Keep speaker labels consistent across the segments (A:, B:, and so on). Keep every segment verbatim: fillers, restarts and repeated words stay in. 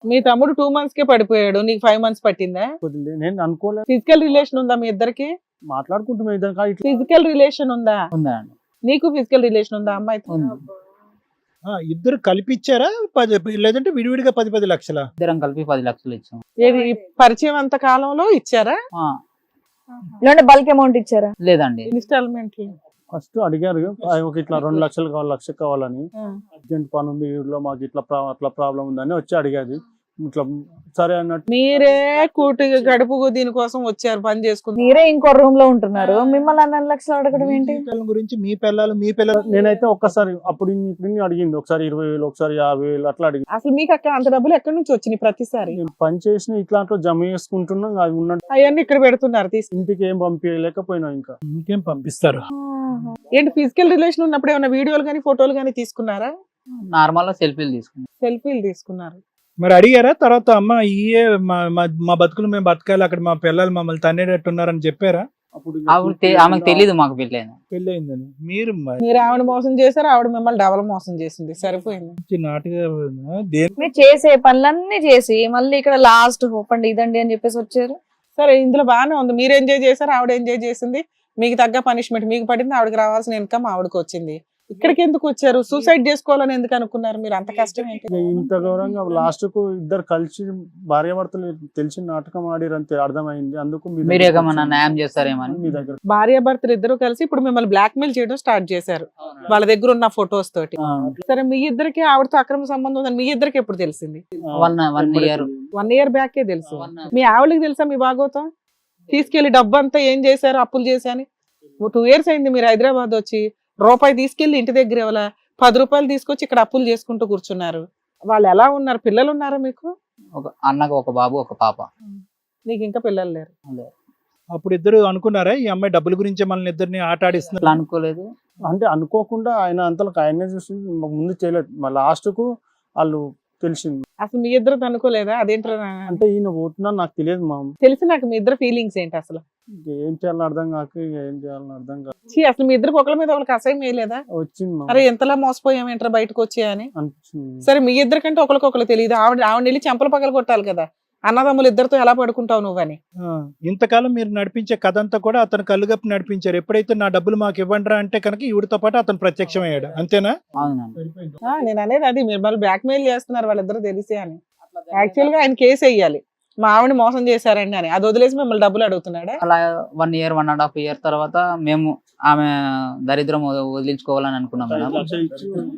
A: మీ తమ్ముడు two months కే పడిపోయాడు, నీకు ఫైవ్ మంత్స్ పట్టిందా?
B: కొద్దిగా నేను అనుకోలేదు.
A: ఫిజికల్ రిలేషన్ ఉందా మీ ఇద్దరికి?
B: మాట్లాడుకుంటున్నాం ఇద్దరు కానీ ఇట్లా
A: ఫిజికల్ రిలేషన్ ఉందా?
C: ఉందా అండి?
A: నీకు ఫిజికల్ రిలేషన్ ఉందా అమ్మాయితో?
C: ఉంది.
D: ఆ, ఇద్దరు కలిపి ఇచ్చారా పది లేదంటే విడివిడిగా పది పది లక్షల?
C: ఇద్దరం కలిపి పది లక్షలు ఇచ్చాం.
A: ఏది ఈ పరిచయం అంత కాలంలో ఇచ్చారా?
C: ఆ,
E: లేదంటే బల్క్ అమౌంట్ ఇచ్చారా?
C: లేదండి.
A: ఇన్స్టాల్మెంట్?
B: ఫస్ట్ అడిగారు ఆ, ఒక ఇట్లా రెండు లక్షలు కావాలి, లక్ష కావాలని, అర్జెంట్ పని ఉంది ఊళ్ళో మాకు ఇట్లా ప్రా- అట్లా ప్రాబ్లం ఉందని వచ్చి అడిగేది. ఇట్లా సరే అన్నట్టు
A: మీరే కూటి గడుపు దీనికోసం వచ్చారు పని చేసుకుంటారు.
E: మీరే ఇంకో రూమ్ లో ఉంటున్నారు, మిమ్మల్ని అన్ని లక్షలు అడగడం ఏంటి?
D: మీ పిల్లల గురించి మీ పిల్లలు మీ పిల్లలు
B: నేనైతే ఒక్కసారి అప్పుడు ఇన్ని- ఇప్పుడు ఇన్ని అడిగింది. ఒకసారి ఇరవై వేలు, ఒకసారి యాభై వేలు అట్లా అడిగింది.
A: అసలు మీకు అక్కడ అంత డబ్బులు ఎక్కడి నుంచి వచ్చినాయి ప్రతిసారి?
B: నేను పని చేసిన ఇట్లాంట్లో జమ చేసుకుంటున్నాం, అవి ఉన్నట్టు
A: అవన్నీ ఇక్కడ పెడుతున్నారు తీసి.
B: ఇంటికి ఏం పంపించలేకపోయినా ఇంకా
D: ఇంకేం పంపిస్తారు.
A: ఏంటి ఫిజికల్ రిలేషన్ ఉన్నప్పుడు ఏమైనా వీడియోలు కానీ ఫోటోలు కానీ తీసుకున్నారా?
C: నార్మల్ గా సెల్ఫీలు తీసుకున్నాం.
A: సెల్ఫీలు తీసుకున్నారు.
D: మరి అడిగారా తర్వాత అమ్మ ఇయే మా మా- మా బతుకులు మేము బతకాలి, అక్కడ మా పిల్లలు మమ్మల్ని తన్నేటట్టున్నారని చెప్పారా?
B: అప్పుడు
C: ఆవిడ తె- ఆమెకు తెలీదు మాకు పెళ్ళైంది.
D: పెళ్ళి అయిందని మీరు
A: మీరు ఆవిడ మోసం చేశారు, ఆవిడ మిమ్మల్ని డబల్ మోసం చేసింది. సరిపోయింది.
D: మంచి నాటుగా దేని
E: మీరు చేసే పనులన్నీ చేసి మళ్ళీ ఇక్కడ లాస్ట్ హోప్ అండి ఇదండి అని చెప్పేసి వచ్చారు.
A: సరే ఇందులో బాగానే ఉంది, మీరు ఎంజాయ్ చేశారు, ఆవిడ ఎంజాయ్ చేసింది, మీకు తగ్గ పనిష్మెంట్ మీకు పడింది, ఆవిడకి రావాల్సిన ఇన్కమ్ ఆవిడకి వచ్చింది. ఇక్కడికి ఎందుకు వచ్చారు? సూసైడ్ చేసుకోవాలని ఎందుకు అనుకున్నారు మీరు? అంత కష్టం ఏంటి?
B: ఇక ఇంత గౌరవంగా లాస్ట్ కు ఇద్దరు కలిసి భార్యాభర్తలు తెలిసి నాటకం ఆడిరంతే అర్థమైంది. అందుకు మీ
C: మీరు
B: దగ్గరకు
C: ఏమన్నా
B: వచ్చాను.
C: న్యాయం చేస్తారేమని.
B: మీ దగ్గర
A: భార్యాభర్తలు ఇద్దరు కలిసి ఇప్పుడు మిమ్మల్ని బ్లాక్ మెయిల్ చేయడం స్టార్ట్ చేశారు వాళ్ళ దగ్గర ఉన్న ఫొటోస్ తోటి.
C: ఆ,
A: సరే మీ ఇద్దరికి ఆవిడతో అక్రమ సంబంధం ఉందని మీ ఇద్దరికి ఎప్పుడు తెలిసింది?
C: One one year
A: one year బ్యాకే తెలుసు. మీ ఆవిడకి తెలుసా మీ భాగవతం? తీసుకెళ్లి డబ్బు అంతా ఏం చేశారు, అప్పులు చేశాని. టూ ఇయర్స్ అయింది మీరు హైదరాబాద్ వచ్చి, రూపాయి తీసుకెళ్లి ఇంటి దగ్గర ఇవ్వాల, పది రూపాయలు తీసుకొచ్చి ఇక్కడ అప్పులు చేసుకుంటూ కూర్చున్నారు. వాళ్ళు ఎలా ఉన్నారు? పిల్లలు ఉన్నారా మీకు?
C: ఒక అన్నకు ఒక బాబు ఒక పాప.
A: నీకు ఇంకా పిల్లలు లేరు.
D: అప్పుడు ఇద్దరు అనుకున్నారా ఈ అమ్మాయి డబ్బుల గురించే మనల్ని ఇద్దరిని ఆట
C: అట్లా
D: ఆడిస్తున్నారు?
C: అనుకోలేదు.
B: అంటే అనుకోకుండా ఆయన అంతలకు ఆయనే చూసి ముందు చేయలేదు. మా లాస్ట్ కు వాళ్ళు తెలిసింది.
A: అసలు మీ ఇద్దరు అనుకోలేదా? అదేంటారా
B: అంటే ఈయన పోతున్నా నాకు తెలియదు మా
A: తెలిసి నాకు మీ ఇద్దరు ఫీలింగ్స్ ఏంటి అసలు?
B: ఏం చేయాలని అర్థం కాక ఇక ఏం చేయాలని అర్థం కాక
A: ఛీ, అసలు మీ ఇద్దరికి ఒకళ్ళ మీద ఒకరికి అసహ్యం వేయలేదా?
B: వచ్చింది మా
A: అరే ఎంతలా మోసపోయాం ఏంట్రా బయటకు వచ్చి అని.
B: అనిపించింది.
A: సరే మీ ఇద్దరికంటే ఒకరికొకరు తెలియదు, ఆవిడ ఆవిడ వెళ్ళి చెంపలు పగల కొట్టాలి కదా, అన్నదమ్ములు ఇద్దరితో ఎలా పడుకుంటావు నువ్వని.
D: ఆ, ఇంతకాలం మీరు నడిపించే కథ అంతా కూడా అతను కళ్ళుగప్పి నడిపించారు. ఎప్పుడైతే నా డబ్బులు మాకు ఇవ్వండిరా అంటే కనుక ఈవిడతో పాటు అతను ప్రత్యక్షమయ్యాడు. అంతేనా?
C: అవునండి.
A: ఆ, నేను అనేది అది, మీరు మళ్ళీ బ్లాక్ మెయిల్ చేస్తున్నారు వాళ్ళిద్దరు తెలిసి అని. యాక్చువల్ గా ఆయన కేసు వేయాలి, మా ఆవిడ మోసం చేశారండి అని. అది వదిలేసి మిమ్మల్ని డబ్బులు అడుగుతున్నాడా?
C: అలా one year one and half year తర్వాత మేము ఆమె దరిద్రం వద- వదిలించుకోవాలని అనుకున్నాం మేడం.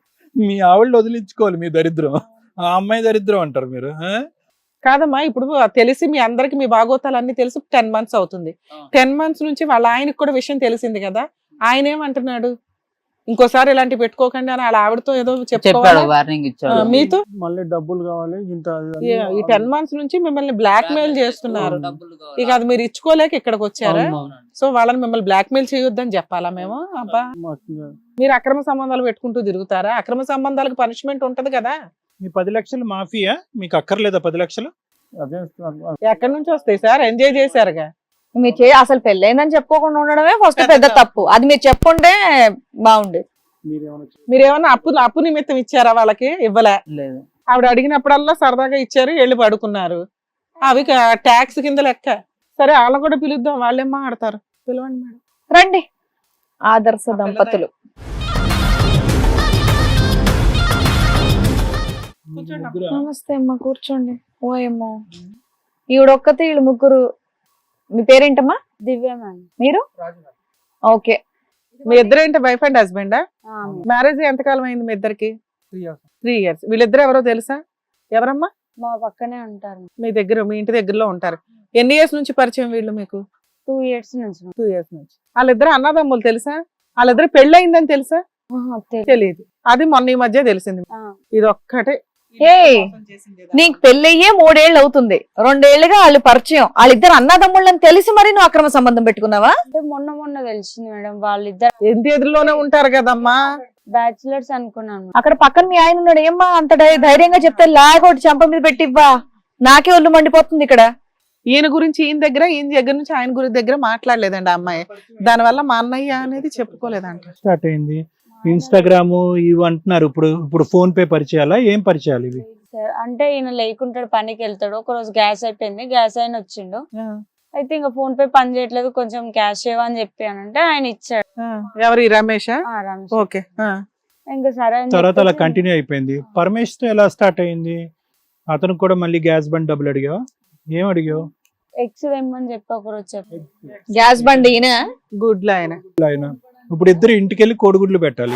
D: మీ ఆవిడ వదిలించుకోవాలి మీ దరిద్రం, ఆ అమ్మాయి దరిద్రం అంటారు మీరు. ఆ?
A: కాదమ్మా, ఇప్పుడు తెలిసి మీ అందరికి మీ భాగోతాలు అన్ని తెలిసి టెన్ మంత్స్ అవుతుంది. టెన్ మంత్స్ నుంచి వాళ్ళ ఆయనకు కూడా విషయం తెలిసింది కదా, ఆయన ఏమంటున్నాడు? ఇంకోసారి ఇలాంటి పెట్టుకోకండి అని వాళ్ళ ఆవిడతో ఏదో
C: చెప్పాడు,
A: చెప్పుకోవాలి.
C: వార్నింగ్ ఇచ్చాడు.
A: మీతో
B: మళ్ళీ డబ్బులు కావాలి ఇంత అది అని
A: ఈ- ఈ టెన్ మంత్స్ నుంచి మిమ్మల్ని బ్లాక్ మెయిల్ చేస్తున్నారు. ఇక అది మీరు ఇచ్చుకోలేక ఇక్కడికి వచ్చారా? సో వాళ్ళని మిమ్మల్ని బ్లాక్ మెయిల్ చేయొద్దని చెప్పాలా మేము? అబ్బా,
B: మాకు ఇంకా
A: మీరు అక్రమ సంబంధాలు పెట్టుకుంటూ తిరుగుతారా? అక్రమ సంబంధాలకు పనిష్మెంట్ ఉంటది కదా.
D: మీ పది లక్షలు మాఫియా మీకు అక్కర్లేదా? పది లక్షలు
B: అదే
A: ఎక్కడి నుంచి వస్తాయి సార్? ఎంజాయ్ చేశారుగా.
E: మీరు చే అసలు పెళ్ళైందని చెప్పుకోకుండా ఉండడమే ఫస్ట్ పెద్ద తప్పు. అది మీరు చెప్పుంటే బాగుండేది.
B: మీరేమన్నా
A: మీరేమన్నా అప్పు అప్పు నిమిత్తం ఇచ్చారా వాళ్ళకి? ఇవ్వలే.
C: లేదు.
A: ఆవిడ అడిగినప్పుడల్లా సరదాగా ఇచ్చారు, వెళ్ళి పడుకున్నారు. అవి ట్యాక్స్ కింద లెక్క. సరే వాళ్ళని కూడా పిలుద్దాం, వాళ్ళేం మాట్లాడతారు. పిలవండి మేడం.
E: రండి ఆదర్శ దంపతులు. నమస్తే అమ్మా, కూర్చోండి. ఓ ఏమో ఈవిడొక్కతే, వీళ్ళు ముగ్గురు. మీ పేరేంటమ్మా?
F: దివ్య మ్యామ్.
E: మీరు? ఓకే.
A: మీ ఇద్దరు ఏంటి వైఫ్ అండ్ హస్బెండా? మ్యారేజ్ ఎంతకాలం అయింది మీ ఇద్దరికి? Three years. వీళ్ళిద్దరు ఎవరో తెలుసా? ఎవరమ్మా?
F: మా పక్కనే ఉంటారు.
A: మీ దగ్గర, మీ ఇంటి దగ్గరలో ఉంటారు. ఎన్ని ఇయర్స్ నుంచి పరిచయం వీళ్ళు మీకు?
F: టూ ఇయర్స్ నుంచి.
A: టూ ఇయర్స్ నుంచి. వాళ్ళిద్దరు అన్నదమ్ములు తెలుసా? వాళ్ళిద్దరు పెళ్లి అయిందని తెలుసా?
F: ఆహా, తెలీదు.
A: తెలియదు. అది మొన్న ఈ మధ్య తెలిసింది.
F: ఆ.
A: ఇది ఒక్కటే.
E: ఏ నీకు పెళ్ళయ్యే మూడేళ్ళు అవుతుంది, రెండేళ్లుగా వాళ్ళు పరిచయం, వాళ్ళిద్దరు అన్నదమ్ముళ్ళని తెలిసి మరి నువ్వు అక్రమ సంబంధం పెట్టుకున్నావా?
F: అంటే మొన్న మొన్న తెలిసింది మేడం. వాళ్ళిద్దరు
A: ఇంటి ఎదురులోనే ఉంటారు కదమ్మా.
F: బ్యాచులర్స్ అనుకున్నాను.
E: అక్కడ పక్కన మీ ఆయన ఉన్నాడు, ఏమ్మా అంత ధై- ధైర్యంగా చెప్తే లాగొట్టి చెంప మీద పెట్టివ్వా. నాకే ఒళ్ళు మండిపోతుంది ఇక్కడ.
A: ఈయన గురించి ఈయన దగ్గర, ఈయన దగ్గర నుంచి ఆయన గురించి దగ్గర మాట్లాడలేదండి ఆ అమ్మాయి. దానివల్ల మా అన్నయ్య అనేది చెప్పుకోలేదంట.
D: స్టార్ట్ అయింది. ఇన్స్టాగ్రామ్ ఇవి అంటున్నారు. ఇప్పుడు ఇప్పుడు ఫోన్ పే పరిచయాలా, ఏం పరిచయాలు ఇవి?
F: సార్ అంటే ఈయన లేకుంటాడు, పనికి వెళ్తాడు. ఒక రోజు గ్యాస్ అయిపోయింది, గ్యాస్ అయిన వచ్చిండు.
A: ఆ,
F: అయితే ఇంకా ఫోన్ పే పని చేయట్లేదు, కొంచెం క్యాష్ ఇవ్వని చెప్పి అని అంటే ఆయన ఇచ్చాడు.
A: ఆ. ఎవరు ఈ రమేషా?
F: ఆ, రమేష్.
A: ఓకే. ఆ.
F: ఇంకా సరే అని
D: తర్వాత అలా
F: చెప్పేసి
D: కంటిన్యూ అయిపోయింది. పరమేష్ తో ఎలా స్టార్ట్ అయింది? అతనికి కూడా మళ్ళీ గ్యాస్ బండ్ డబ్బులు అడిగావా? ఏం అడిగావు?
F: ఎక్స్ తెమ్మని చెప్పి ఒక రోజు చెప్పి
E: గ్యాస్ బండి ఈయన
A: గుడ్లు ఆయన.
D: ఆయన ఇప్పుడు ఇద్దరు ఇంటికి వెళ్ళి కోడిగుడ్లు పెట్టాలి.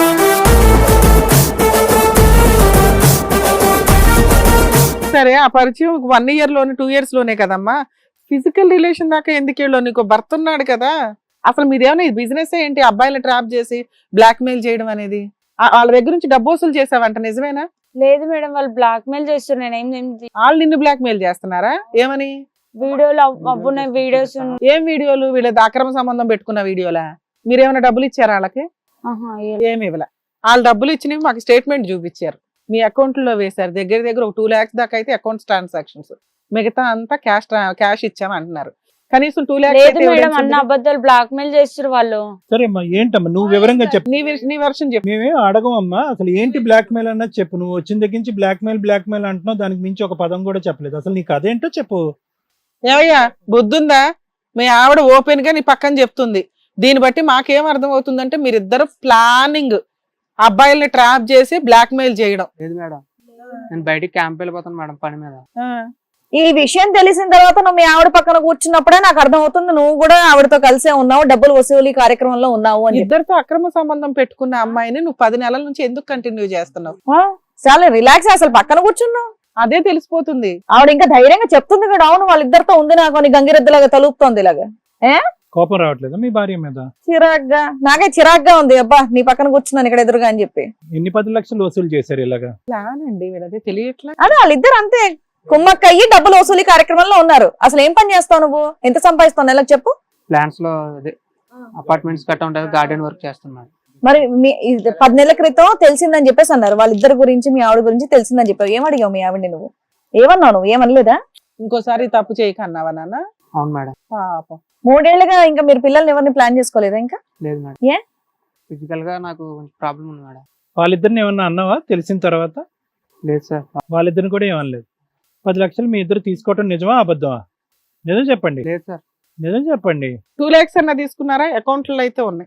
A: సరే, ఆ పరిచయం వన్ ఇయర్ లోనే టూ ఇయర్స్ లోనే కదమ్మా. ఫిజికల్ రిలేషన్ దాకా ఎందుకు వెళ్ళు? నీకు భర్త ఉన్నాడు కదా. అసలు మీదేమైనా బిజినెస్ ఏంటి? అబ్బాయిలు ట్రాప్ చేసి బ్లాక్ మెయిల్ చేయడం అనేది. ఆ- వాళ్ళ దగ్గర నుంచి డబ్బు వసూలు చేసావంట, నిజమేనా?
F: లేదు మేడం, వాళ్ళు బ్లాక్ మెయిల్ చేస్తారు. నేను ఏం ఏం
A: వాళ్ళు నిన్ను బ్లాక్ మెయిల్ చేస్తున్నారా? ఏమని?
F: వీడియోలు అవ్- అవ్వున్నాయి, వీడియోస్ ఉన్నాయి.
A: ఏం వీడియోలు? వీళ్ళది అక్రమ సంబంధం పెట్టుకున్న వీడియోలా? మీరేమైనా డబ్బులు ఇచ్చారా వాళ్ళకి?
F: ఆహా, ఏ-
A: ఏమి ఇవ్వలే. వాళ్ళు డబ్బులు ఇచ్చినవి మాకు స్టేట్మెంట్ చూపించారు, మీ అకౌంట్ లో వేశారు. దగ్గర దగ్గర ఒక టూ లాక్స్ దాకా అయితే అకౌంట్ ట్రాన్సాక్షన్స్, మిగతా అంతా క్యాష్ క్యాష్ ఇచ్చాము అంటున్నారు. కనీసం టూ
F: లేదు మేడం, అన్న
A: లాక్స్.
F: అబద్ధాలు బ్లాక్ మెయిల్ చేస్తారు వాళ్ళు.
D: సరే అమ్మా, ఏంటమ్మా నువ్వు వివరంగా చెప్పు.
A: నీ విష- నీ వర్షన్ చెప్పు.
D: మేమేం అడగమమ్మా, అసలు ఏంటి బ్లాక్ మెయిల్ అన్నది చెప్పు. నువ్వు వచ్చిన దగ్గర నుంచి బ్లాక్ మెయిల్ బ్లాక్ మెయిల్ అంటున్నావు, దానికి మించి ఒక పదం కూడా చెప్పలేదు. అసలు నీకు అదేంటో చెప్పు.
A: ఏమయ్యా, బుద్ధుందా? మీ ఆవిడ ఓపెన్ గా నీ పక్కన చెప్తుంది. దీన్ని బట్టి మాకేం అర్థం అవుతుందంటే మీరిద్దరు ప్లానింగ్ అబ్బాయిల్ని ట్రాప్ చేసి బ్లాక్ మెయిల్ చేయడం.
G: లేదు మేడం, నేను బయటికి క్యాంప్ వెళ్ళిపోతాను మేడం పని మీద.
A: ఆ,
E: ఈ విషయం తెలిసిన తర్వాత నువ్వు మీ ఆవిడ పక్కన కూర్చున్నప్పుడే నాకు అర్థం అవుతుంది నువ్వు కూడా ఆవిడతో కలిసే ఉన్నావు, డబ్బులు వసూలు కార్యక్రమంలో ఉన్నావు అని చెప్పి.
A: ఇద్దరితో అక్రమ సంబంధం పెట్టుకున్న అమ్మాయిని నువ్వు పది నెలల నుంచి ఎందుకు కంటిన్యూ చేస్తున్నావు?
E: ఆ, చాలా రిలాక్స్, అసలు పక్కన కూర్చున్నావు.
A: అదే తెలిసిపోతుంది.
E: ఆవిడ ఇంకా ధైర్యంగా చెప్తుంది కూడా, అవును వాళ్ళిద్దరితో ఉంది నాకు అని గంగిరెద్దులాగా తలుపుతోంది ఇలాగా.
D: కోపం రావట్లేదా మీ భార్య మీద?
E: చిరాగ్గా, నాకే చిరాగ్గా ఉంది. అబ్బా నీ పక్కన కూర్చున్నాను ఇక్కడ ఎదురుగా అని చెప్పి.
D: ఎన్ని పది లక్షలు వసూలు చేశారు ఇలాగా?
A: ప్లాన్ అండి వీళ్ళది, తెలియట్లా.
E: అదే వాళ్ళిద్దరు అంతే కుమ్మక్కయ్యి డబ్బులు వసూలు కార్యక్రమంలో ఉన్నారు. అసలు ఏం పని చేస్తావు నువ్వు? ఎంత సంపాదిస్తావు నెలకు చెప్పు?
G: ప్లాన్స్ లో అదే అపార్ట్మెంట్స్ కట్ట ఉంటుంది, గార్డెన్ వర్క్ చేస్తున్నాను.
E: మరి మీ ఇది పది నెలల క్రితం తెలిసిందని చెప్పేసి అన్నారు, వాళ్ళిద్దరి గురించి మీ ఆవిడ గురించి తెలిసిందని చెప్పావు. ఏం అడిగావు మీ ఆవిడని నువ్వు? ఏమన్నావు నువ్వు? ఏమనలేదా?
A: ఇంకోసారి తప్పు చేయకన్నావా నాన్న?
G: అవును మేడం.
A: పాపం.
E: మూడేళ్లుగా ఇంకా మీరు పిల్లల్ని ఎవరిని ప్లాన్ చేసుకోలేదా ఇంకా?
G: లేదు మేడం.
E: ఏ?
G: ఫిజికల్ గా నాకు కొంచెం ప్రాబ్లం ఉంది మేడం.
D: వాళ్ళిద్దరిని ఏమన్నా అన్నావా తెలిసిన తర్వాత?
G: లేదు సార్.
D: వాళ్ళిద్దరిని కూడా ఏమనలేదు. పది లక్షలు మీ ఇద్దరు తీసుకోవటం నిజమా అబద్ధమా? నిజం చెప్పండి,
G: లేదు సార్.
D: నిజం చెప్పండి.
A: టూ లాక్స్ అన్న తీసుకున్నారా? అకౌంట్ లో అయితే ఉన్నాయి.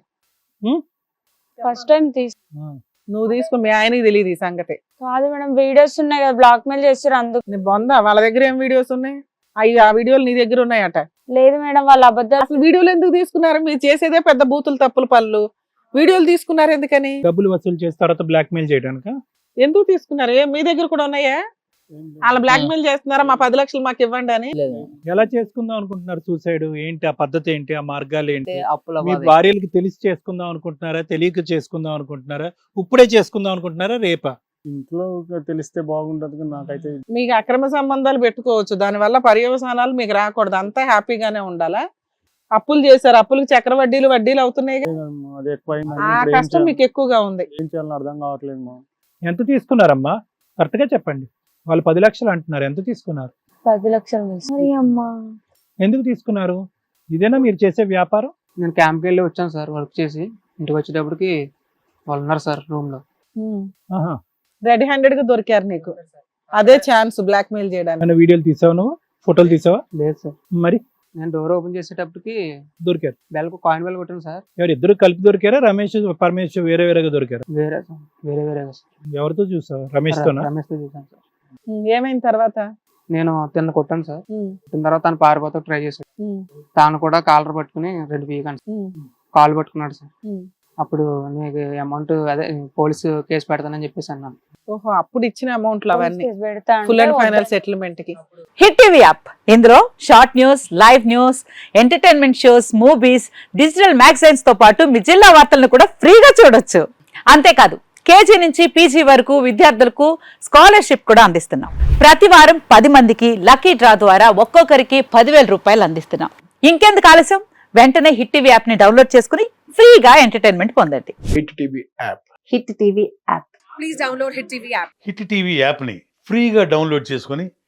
F: ఫస్ట్ టైం తీసు
A: నువ్వు తీసుకుని మీ ఆయనకి తెలియదు ఈ సంగతి.
F: కాదు మేడం, వీడియోస్ ఉన్నాయి కదా, బ్లాక్ మెయిల్ చేస్తారు అందుకు.
A: నీ బొందా, వాళ్ళ దగ్గర ఏం వీడియోస్ ఉన్నాయి? అవి ఆ వీడియోలు నీ దగ్గర ఉన్నాయట.
F: లేదు మేడం, వాళ్ళ అబద్ధాలు.
A: అసలు వీడియోలు ఎందుకు తీసుకున్నారు? మీరు చేసేదే పెద్ద బూతులు తప్పులు పనులు. వీడియోలు తీసుకున్నారు ఎందుకని?
D: డబ్బులు వసూలు చేసి తర్వాత బ్లాక్ మెయిల్ చేయడానికి
A: ఎందుకు తీసుకున్నారు? ఏ మీ దగ్గర కూడా ఉన్నాయా? వాళ్ళ బ్లాక్ మెయిల్ చేస్తున్నారా? మా పది లక్షలు మాకు ఇవ్వండి అని.
C: లేదు.
D: ఎలా చేసుకుందాం అనుకుంటున్నారు సూసైడ్? ఏంటి ఆ పద్ధతి ఏంటి? ఆ మార్గాలు ఏంటి?
C: అంటే అప్పుల
D: మీ
C: బాధ.
D: భార్యలకి తెలిసి చేసుకుందాం అనుకుంటున్నారా? తెలియక చేసుకుందాం అనుకుంటున్నారా? ఇప్పుడే చేసుకుందాం అనుకుంటున్నారా? రేపా?
B: ఇంట్లో ఒక తెలిస్తే బాగుంటది కానీ నాకైతే
A: మీకు అక్రమ సంబంధాలు పెట్టుకోవచ్చు, దానివల్ల పర్యవసానాలు మీకు రాకూడదు. అంతా హ్యాపీగానే ఉండాలా? అప్పులు చేశారు, అప్పులకు చక్ర వడ్డీలు వడ్డీలు అవుతున్నాయి.
B: అది ఎక్కువైంది.
A: ఆ
B: ఇప్పుడు ఏం
A: కష్టం
B: చేయాలి?
A: మీకు ఎక్కువగా ఉంది.
B: ఏం చేయాలని అర్థం కావట్లేదు మా.
D: ఎంత తీసుకున్నారమ్మా? కరెక్ట్ గా చెప్పండి. వాళ్ళు పది లక్షలు అంటున్నారు, ఎంత తీసుకున్నారు?
F: పది లక్షలు తీసు- అరే అమ్మా,
D: ఎందుకు తీసుకున్నారు? ఇదేనా మీరు చేసే వ్యాపారం?
G: నేను క్యాంప్కి వెళ్ళి వచ్చాను సార్, వర్క్ చేసి ఇంటికి వచ్చేటప్పటికి వాళ్ళు ఉన్నారు సార్ రూమ్ లో.
D: ఆహా.
A: రెడీ హ్యాండెడ్ గా దొరికారు నీకు. అదే ఛాన్స్ బ్లాక్ మెయిల్ చేయడానికి.
D: ఏమైనా వీడియోలు తీసావా నువ్వు? ఫోటోలు తీసావా?
G: లేదు సార్.
D: మరి
G: నేను డోర్ ఓపెన్ చేసేటప్పటికి
D: దొరికారు.
G: బెల్కు కాయిన్ బెల్ కొట్టాను సార్.
D: ఎవరు ఇద్దరు కలిపి దొరికారా? రమేష్ పరమేష్ వేరే వేరేగా దొరికారు?
G: వేరే సార్, వేరే వేరేగా సార్.
D: ఎవరితో చూసావు? రమేష్ తోనా?
G: రమేష్ తో చూసాను సార్.
A: ఉమ్, ఏమైంది తర్వాత?
G: నేను తిన్న కొట్టాను సార్.
A: ఉమ్,
G: కొట్టిన తర్వాత తను పారిపోతా ట్రై చేశాడు.
A: ఉమ్,
G: తాను కూడా కాలర్ పట్టుకుని రెండు పీకాను సార్.
A: ఉమ్,
G: కాల్ పట్టుకున్నాడు సార్.
A: ఉమ్.
G: అప్పుడు నీకు అమౌంట్ అదే పోలీసు కేసు పెడతానని చెప్పేసి అన్నాను.
A: ఓహో, అప్పుడు ఇచ్చిన అమౌంట్లు అవన్నీ
F: కేసు పెడతా అంటే
A: ఫుల్ అండ్
F: వద్దు.
A: ఫైనల్ సెటిల్మెంట్ కి.
H: హిట్ టీవీ యాప్ ఇందులో short news, live news, entertainment shows, movies, digital magazines తో పాటు మీ జిల్లా వార్తలను కూడా ఫ్రీగా చూడొచ్చు. అంతేకాదు కేజీ నుంచి పీజీ వరకు విద్యార్థులకు స్కాలర్షిప్ కూడా అందిస్తున్నాం. ప్రతి వారం పది మందికి లక్కీ డ్రా ద్వారా ఒక్కొక్కరికి పదివేల రూపాయలు అందిస్తున్నాం. ఇంకెందుకు ఆలస్యం? వెంటనే హిట్ టీవీ యాప్ ని డౌన్లోడ్ చేసుకుని ఫ్రీగా ఎంటర్టైన్మెంట్ పొందండి.
I: Hit TV app.
H: Hit TV app.
J: Hit TV యాప్ని ఫ్రీగా డౌన్లోడ్ చేసుకొని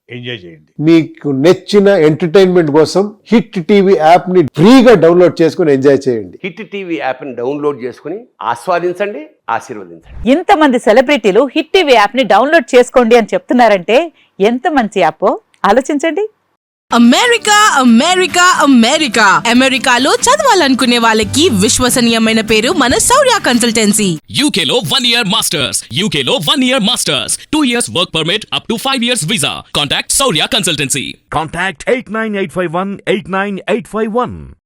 I: ఎంజాయ్ చేయండి.
J: మీకు నచ్చిన ఎంటర్టైన్మెంట్ కోసం హిట్ టీవీ యాప్ ని ఫ్రీగా డౌన్లోడ్ చేసుకుని ఎంజాయ్ చేయండి.
K: హిట్ టీవీ యాప్ ని డౌన్లోడ్ చేసుకుని ఆస్వాదించండి, ఆశీర్వదించండి.
H: ఇంతమంది సెలబ్రిటీలు హిట్ టీవీ యాప్ ని డౌన్లోడ్ చేసుకోండి అని చెప్తున్నారంటే ఎంత మంచి యాప్ ఆలోచించండి.
L: అమెరికా అమెరికా అమెరికా అమెరికాలో చదవాలనుకునే వాళ్ళకి విశ్వసనీయమైన పేరు మన శౌర్య కన్సల్టెన్సీ.
M: యూకేలో వన్ ఇయర్ మాస్టర్స్ యూకేలో one year masters two years work permit up to five years visa. Contact Shaurya consultancy.
I: Contact eight nine eight five one eight nine eight five one.